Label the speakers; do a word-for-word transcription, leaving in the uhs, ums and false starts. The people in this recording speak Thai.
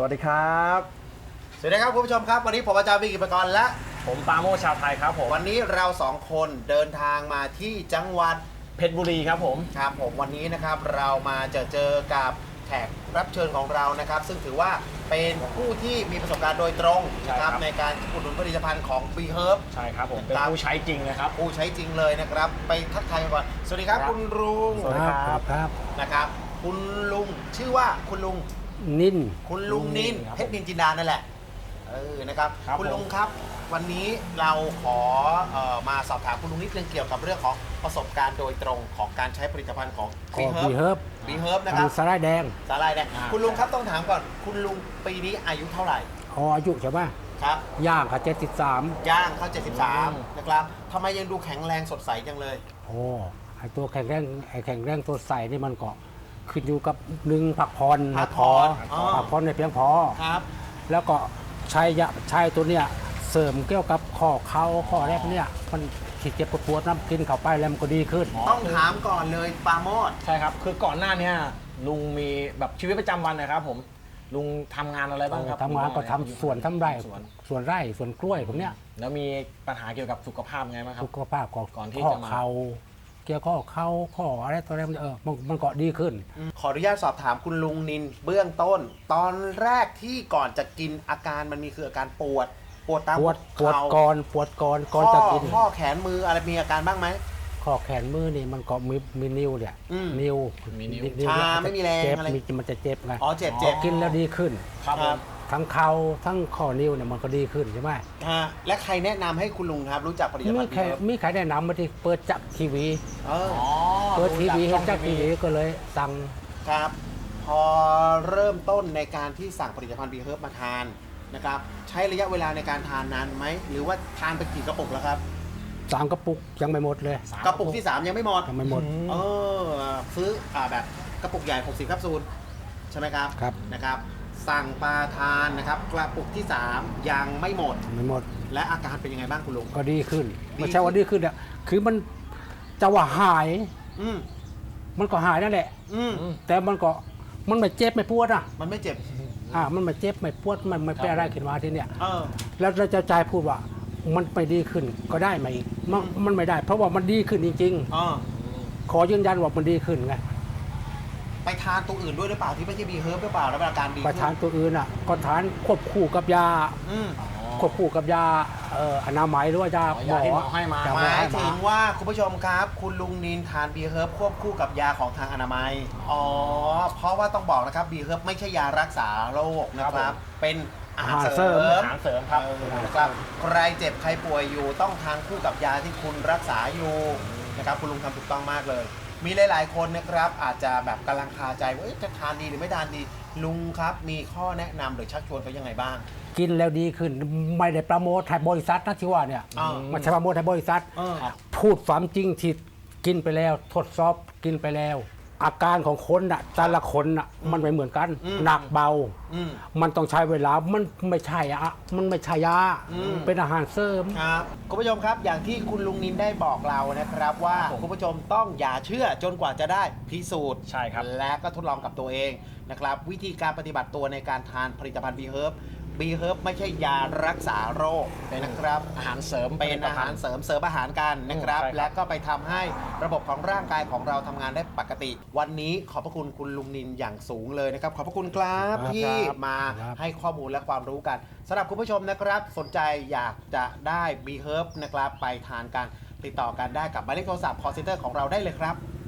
Speaker 1: วัสดีครับ
Speaker 2: สวัสดีครับคุณผู้ชมครับวันนี้ผมอาจารย์วิกิปกรณ์และ
Speaker 1: ผมปาโมชชาวไทยครับผม
Speaker 2: วันนี้เราสองคนเดินทางมาที่จังหวัด
Speaker 1: เพชรบุรีครับผม
Speaker 2: ครับผมวันนี้นะครับเรามาเจอเจอกับแขกรับเชิญของเรานะครับซึ่งถือว่าเป็นผู้ที่มีประสบการณ์โดยตรงนะครับในการอุดหนุนผลิตภัณฑ์ของ บี เฮิร์บ
Speaker 1: ใช่ครับผมเป็นผู้ใช้จริงนะครับ
Speaker 2: ผู้ใช้จริงเลยนะครับไปทักทายก่อนสวัสดีครับคุณลุง
Speaker 1: สวัสดีครับ
Speaker 3: ครับ
Speaker 2: นะครับคุณลุงชื่อว่าคุณลุง
Speaker 3: นิน
Speaker 2: คุณลุงนินเพชรนินจินดานั่นแหละเออนะครับคุณลุงครับวันนี้เราขอเอ่อมาสอบถามคุณลุงนิดนึงเกี่ยวกับเรื่องของประสบการณ์โดยตรงของการใช้ผลิตภัณฑ์ของ
Speaker 3: บี
Speaker 2: บี
Speaker 3: เฮิร์บ
Speaker 2: บีเฮิร์บนะครับ
Speaker 3: สาหร่ายแดง
Speaker 2: สาหร่ายแดงคุณลุงครับต้องถามก่อนคุณลุงปีนี้อายุเท่าไหร่
Speaker 3: อ๋ออายุใช่ไหม
Speaker 2: ครับ
Speaker 3: ย่างค่ะเจ็ดสิบสาม
Speaker 2: ย่างเข้าเจ็ดสิบสามนะครับทำไมยังดูแข็งแรงสดใสจังเลย
Speaker 3: โอ้ไอตัวแข็งแรงไอแข็งแรงตัวใสนี่มันก็ขึ้นอยู่กับหนึ่งผักพร
Speaker 2: ผักพร
Speaker 3: ผักพรในเพียงพอ
Speaker 2: ครับ
Speaker 3: แล้วก็ใช้ยาใช้ตัวเนี้ยเสริมเกี่ยวกับข้อเข่าข้อแรกเนี่ยมันขีดเจ็บปวดน้ำกินเข้าไปแล้วมันก็ดีขึ้น
Speaker 2: ต้องถามก่อนเลยปาโมด
Speaker 1: ใช่ครับคือก่อนหน้านี้ลุงมีแบบชีวิตประจำวันนะครับผมลุงทำงานอะไรบ้างครับ
Speaker 3: ทำงานก็ทำสวนทำไร่สวนไร่สวนกล้วยผมเนี้ย
Speaker 1: แล้วมีปัญหาเกี่ยวกับสุขภาพไงบ้างครับ
Speaker 3: สุขภาพ
Speaker 1: ก่อนที่
Speaker 3: ข้อ
Speaker 1: จะมา
Speaker 3: เข่าเกี่ยวข้อเข่าข้ออะไรตัวนี้มันเออมันมันก็ดีขึ้น
Speaker 2: ขออนุญาตสอบถามคุณลุงนินเบื้องต้น ตอนแรกที่ก่อนจะกินอาการมันมีคืออาการปวดปวดตาม
Speaker 3: ปวดปวดก่อนปวดก่อนก่อนจะกิน
Speaker 2: ข้อแขนมืออะไรมีอาการบ้างไหม
Speaker 3: ข้อแขนมือนี่มันก็มีมีนิ้วเนี่ยนิ้ว
Speaker 1: มีนิ้ว
Speaker 2: ชาไม่มีแรงอะไร
Speaker 3: มันจะเจ็บไง
Speaker 2: อ๋อเจ็บเจ็บ
Speaker 3: กินแล้วดีขึ้น
Speaker 2: ครับ
Speaker 3: ทั้งเข่าทั้งข้อนิ้วเนี่ยมันก็ดีขึ้นใช่ไหม
Speaker 2: ฮะและใครแนะนำให้คุณลุงครับรู้จักผลิตภัณฑ์
Speaker 3: มีใครมีใครแนะนำมาที่เปิดจักทีวี
Speaker 2: เออ
Speaker 3: เปิดทีวีเห็นจักทีวีก็เลยสั่ง
Speaker 2: ครับพอเริ่มต้นในการที่สั่งผลิตภัณฑ์บีเฮิร์บมาทานนะครับใช้ระยะเวลาในการทานนานไหมหรือว่าทานไปกี่กระปุกแล้วครับ
Speaker 3: สามกระปุกยังไม่หมดเลย
Speaker 2: กระปุกที่สามยังไม่หมด
Speaker 3: ยังไม่หมด
Speaker 2: เออซื้ออ่าแบบกระปุกใหญ่หกสิบแคปซูลใช่ไหมครับ
Speaker 3: ครับ
Speaker 2: นะครับสั่งปลาทานนะครับกระปุกที่สามยังไม่หมด
Speaker 3: ไม่หมด
Speaker 2: และอาการเป็นยังไงบ้างคุณลุง
Speaker 3: ก็ดีขึ้นไม่ใช่ว่าดีขึ้นเนี่ยคือมันจะว่าหาย
Speaker 2: อืม
Speaker 3: มันก็หายนั่นแหละ
Speaker 2: อืม
Speaker 3: แต่มันก็มันไม่เจ็บไม่ปวดอ่ะ
Speaker 2: มันไม่เจ็บ
Speaker 3: อ่ามันไม่เจ็บไม่ปวดมันไม่เป็นอะไรขึ้นมาทีเนี้ย
Speaker 2: เออ
Speaker 3: แล้วเราจะใจพูดว่ามันไปดีขึ้นก็ได้ไหมอีกมันมันไม่ได้เพราะว่ามันดีขึ้นจริง
Speaker 2: ๆอ
Speaker 3: ขอยืนยันว่ามันดีขึ้นไง
Speaker 2: ไปทานตัวอื่นด้วยหรือเปล่าที่ไม่ใช่บีเฮิร์บหรือเปล่าแล้วอาการดี
Speaker 3: ไปทานตัวอื่นอ่ะก็ทานควบคู่กับยาควบคู่กับยาเอ่ออนามัยหรือว่ายาหมอ
Speaker 1: ให้มา
Speaker 2: หมายถึงว่าคุณผู้ชมครับคุณลุงนินทานบีเฮิร์บควบคู่กับยาของทางอนามัยอ๋อเพราะว่าต้องบอกนะครับบีเฮิร์บไม่ใช่ยารักษาโรคนะครับเป็นอาหารเสริม
Speaker 1: อาหารเสริมครับ
Speaker 2: นะครับใครเจ็บใครป่วยอยู่ต้องทานคู่กับยาที่คุณรักษาอยู่นะครับคุณลุงทำถูกต้องมากเลยมีหลายๆคนนะครับอาจจะแบบกำลังคาใจว่าจะทานดีหรือไม่ทานดีลุงครับมีข้อแนะนำหรือชักชวนเขายังไงบ้าง
Speaker 3: กินแล้วดีขึ้นไม่ได้โปรโมทไทยบริษัทนะที่ว่าเนี่ยมันใช่โปรโมทไทยบริษัทพูดความจริงที่กินไปแล้วทดสอบกินไปแล้วอาการของคนน่ะแต่ละคนน่ะมันไม่เหมือนกันหนักเบามันต้องใช้เวลามันไม่ใช่อะมันไม่ใช่ยาเป็นอาหารเสริม
Speaker 2: ครับคุณผู้ชมครับอย่างที่คุณลุงนินได้บอกเรานะครับว่าคุณผู้ชมต้องอย่าเชื่อจนกว่าจะได้พิสูจน์
Speaker 1: ใช่ครับ
Speaker 2: และก็ทดลองกับตัวเองนะครับวิธีการปฏิบัติตัวในการทานผลิตภัณฑ์บีเฮิร์บบีเฮิร์บไม่ใช่ยารักษาโรคนะครับ
Speaker 1: อาหารเสริม
Speaker 2: เป็นอาหารเสริมเสริมอาหารกันนะครับและก็ไปทำให้ระบบของร่างกายของเราทำงานได้ปกติวันนี้ขอบพระคุณคุณลุงนินอย่างสูงเลยนะครับขอบพระคุณครับที่มาให้ข้อมูลและความรู้กันสำหรับคุณผู้ชมนะครับสนใจอยากจะได้บีเฮิร์บนะครับไปทานกันติดต่อกันได้กับหมายเลขโทรศัพท์ call center ของเราได้เลยครับ